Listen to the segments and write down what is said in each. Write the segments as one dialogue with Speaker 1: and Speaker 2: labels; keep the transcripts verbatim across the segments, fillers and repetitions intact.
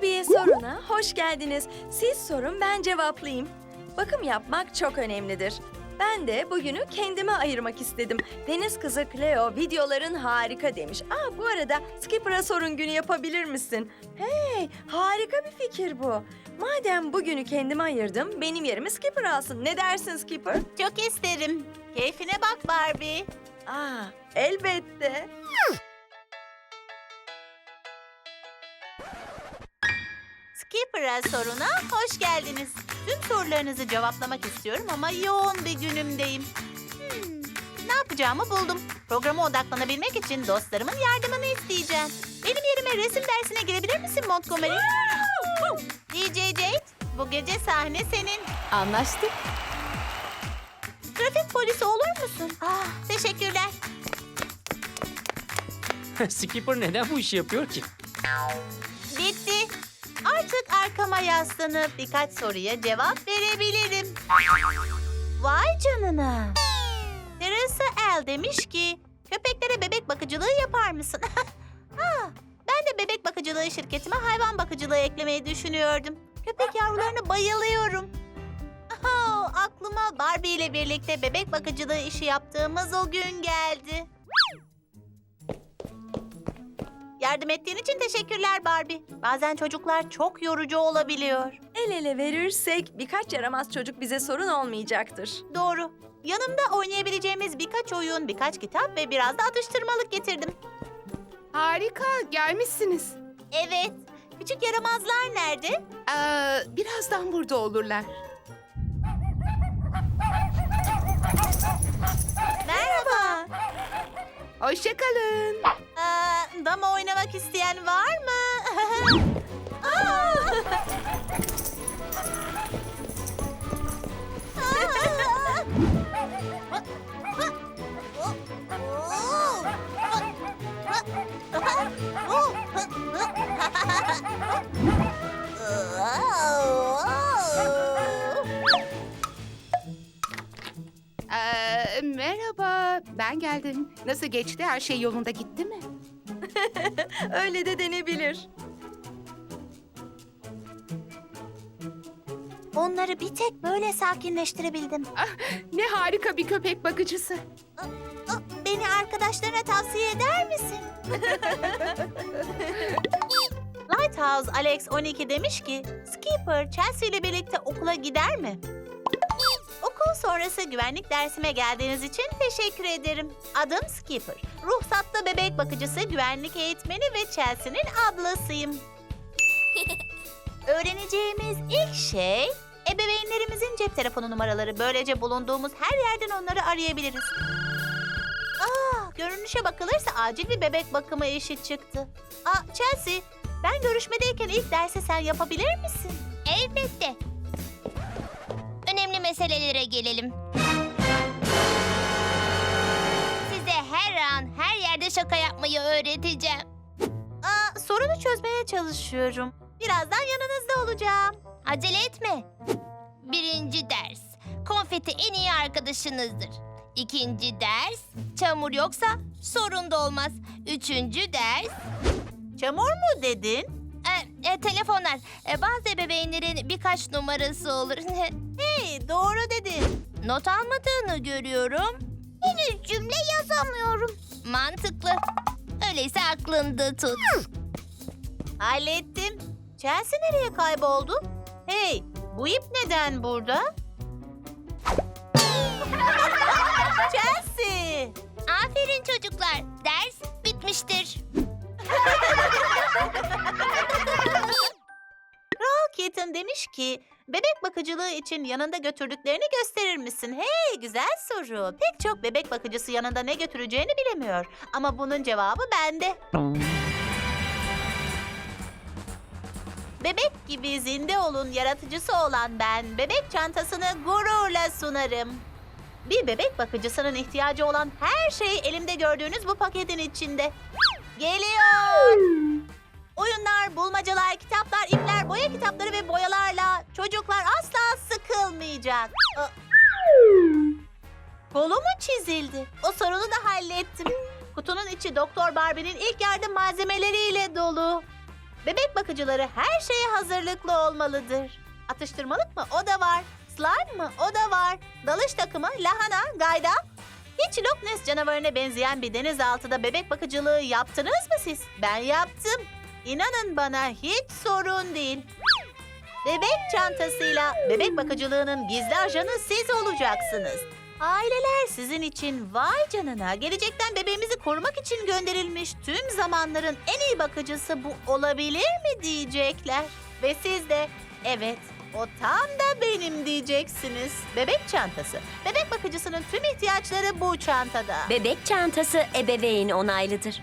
Speaker 1: Barbie'ye soruna hoş geldiniz. Siz sorun, ben cevaplayayım. Bakım yapmak çok önemlidir. Ben de bugünü kendime ayırmak istedim. Deniz kızı Cleo videoların harika demiş. Aa, bu arada Skipper'a sorun günü yapabilir misin? Hey, harika bir fikir bu. Madem bugünü kendime ayırdım, benim yerimi Skipper alsın. Ne dersin Skipper?
Speaker 2: Çok isterim. Keyfine bak Barbie.
Speaker 1: Aa, elbette.
Speaker 2: Skipper'a soruna hoş geldiniz. Tüm sorularınızı cevaplamak istiyorum ama yoğun bir günümdeyim. Hmm, ne yapacağımı buldum. Programa odaklanabilmek için dostlarımın yardımını isteyeceğim. Benim yerime resim dersine girebilir misin Montgomery? D J Jade, bu gece sahne senin.
Speaker 3: Anlaştık.
Speaker 2: Trafik polisi olur musun? Ah, teşekkürler.
Speaker 4: Skipper neden bu işi yapıyor ki?
Speaker 2: Bitti. Artık arkama yaslanıp birkaç soruya cevap verebilirim. Vay canına. Teresa L demiş ki, köpeklere bebek bakıcılığı yapar mısın? ha, ben de bebek bakıcılığı şirketime hayvan bakıcılığı eklemeyi düşünüyordum. Köpek yavrularına bayılıyorum. Oh, aklıma Barbie ile birlikte bebek bakıcılığı işi yaptığımız o gün geldi. Yardım ettiğin için teşekkürler Barbie. Bazen çocuklar çok yorucu olabiliyor.
Speaker 1: El ele verirsek birkaç yaramaz çocuk bize sorun olmayacaktır.
Speaker 2: Doğru. Yanımda oynayabileceğimiz birkaç oyun, birkaç kitap ve biraz da atıştırmalık getirdim.
Speaker 3: Harika, gelmişsiniz.
Speaker 2: Evet. Küçük yaramazlar nerede?
Speaker 3: Ee, birazdan burada olurlar.
Speaker 2: Merhaba.
Speaker 3: Hoşça kalın.
Speaker 2: Aa, dama oynamak isteyen var mı? Aa!
Speaker 3: Ee, merhaba, ben geldim. Nasıl geçti? Her şey yolunda gitti mi?
Speaker 1: Öyle de denebilir.
Speaker 2: Onları bir tek böyle sakinleştirebildim.
Speaker 3: Ah, ne harika bir köpek bakıcısı.
Speaker 2: Ah, beni arkadaşlarına tavsiye eder misin? Lighthouse Alex on iki demiş ki, Skipper Chelsea ile birlikte okula gider mi? Okul sonrası güvenlik dersime geldiğiniz için teşekkür ederim. Adım Skipper. Ruhsatlı bebek bakıcısı, güvenlik eğitmeni ve Chelsea'nin ablasıyım. Öğreneceğimiz ilk şey, ebeveynlerimizin cep telefonu numaraları. Böylece bulunduğumuz her yerden onları arayabiliriz. Aa, görünüşe bakılırsa acil bir bebek bakımı işi çıktı. Aa, Chelsea, ben görüşmedeyken ilk dersi sen yapabilir misin?
Speaker 5: Elbette. Önemli meselelere gelelim. Size her an, her yerde şaka yapmayı öğreteceğim.
Speaker 2: Aa, sorunu çözmeye çalışıyorum. Birazdan yanınızda olacağım.
Speaker 5: Acele etme. Birinci ders. Konfeti en iyi arkadaşınızdır. İkinci ders. Çamur yoksa sorun da olmaz. Üçüncü ders.
Speaker 2: Çamur mu dedin?
Speaker 5: E, e, telefonlar. E, bazı ebeveynlerin birkaç numarası olur.
Speaker 2: Hey, doğru dedin.
Speaker 5: Not almadığını görüyorum. Henüz cümle yazamıyorum. Mantıklı. Öyleyse aklında tut.
Speaker 2: Hallettim. Chelsea nereye kayboldu? Hey, bu ip neden burada? Chelsea!
Speaker 5: Aferin çocuklar. Ders bitmiştir.
Speaker 2: Kral Kitten demiş ki, bebek bakıcılığı için yanında götürdüklerini gösterir misin? Hey, güzel soru. Pek çok bebek bakıcısı yanında ne götüreceğini bilemiyor. Ama bunun cevabı bende. Bebek gibi zinde olun yaratıcısı olan ben, bebek çantasını gururla sunarım. Bir bebek bakıcısının ihtiyacı olan her şey elimde gördüğünüz bu paketin içinde. Geliyor. Oyunlar, bulmacalar, kitaplar, ipler, boya kitapları ve boyalarla çocuklar asla sıkılmayacak. Aa, kolu mu çizildi? O sorunu da hallettim. Kutunun içi Doktor Barbie'nin ilk yardım malzemeleriyle dolu. Bebek bakıcıları her şeye hazırlıklı olmalıdır. Atıştırmalık mı? O da var. Slime mı? O da var. Dalış takımı, lahana, gayda. Hiç Loch Ness canavarına benzeyen bir denizaltıda bebek bakıcılığı yaptınız mı siz? Ben yaptım. İnanın bana hiç sorun değil. Bebek çantasıyla bebek bakıcılığının gizli ajanı siz olacaksınız. Aileler sizin için vay canına gelecekten bebeğimizi korumak için gönderilmiş tüm zamanların en iyi bakıcısı bu olabilir mi diyecekler. Ve siz de evet o tam da benim diyeceksiniz. Bebek çantası. Bebek bakıcısının tüm ihtiyaçları bu çantada.
Speaker 6: Bebek çantası ebeveyn onaylıdır.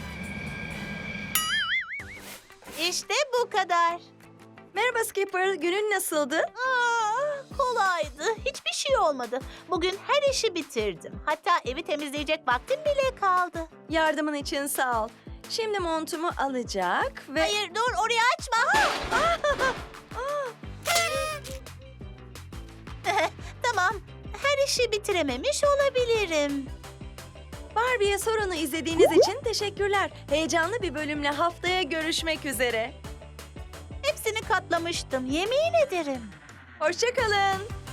Speaker 2: İşte bu kadar.
Speaker 1: Merhaba Skipper, günün nasıldı?
Speaker 2: Aa, kolaydı. Hiçbir şey olmadı. Bugün her işi bitirdim. Hatta evi temizleyecek vaktim bile kaldı.
Speaker 1: Yardımın için sağ ol. Şimdi montumu alacak ve...
Speaker 2: Hayır dur orayı açma. Tamam. Her işi bitirememiş olabilirim.
Speaker 1: Barbie'ye sorunu izlediğiniz için teşekkürler. Heyecanlı bir bölümle haftaya görüşmek üzere.
Speaker 2: Hepsini katlamıştım. Yemin ederim.
Speaker 1: Hoşça kalın.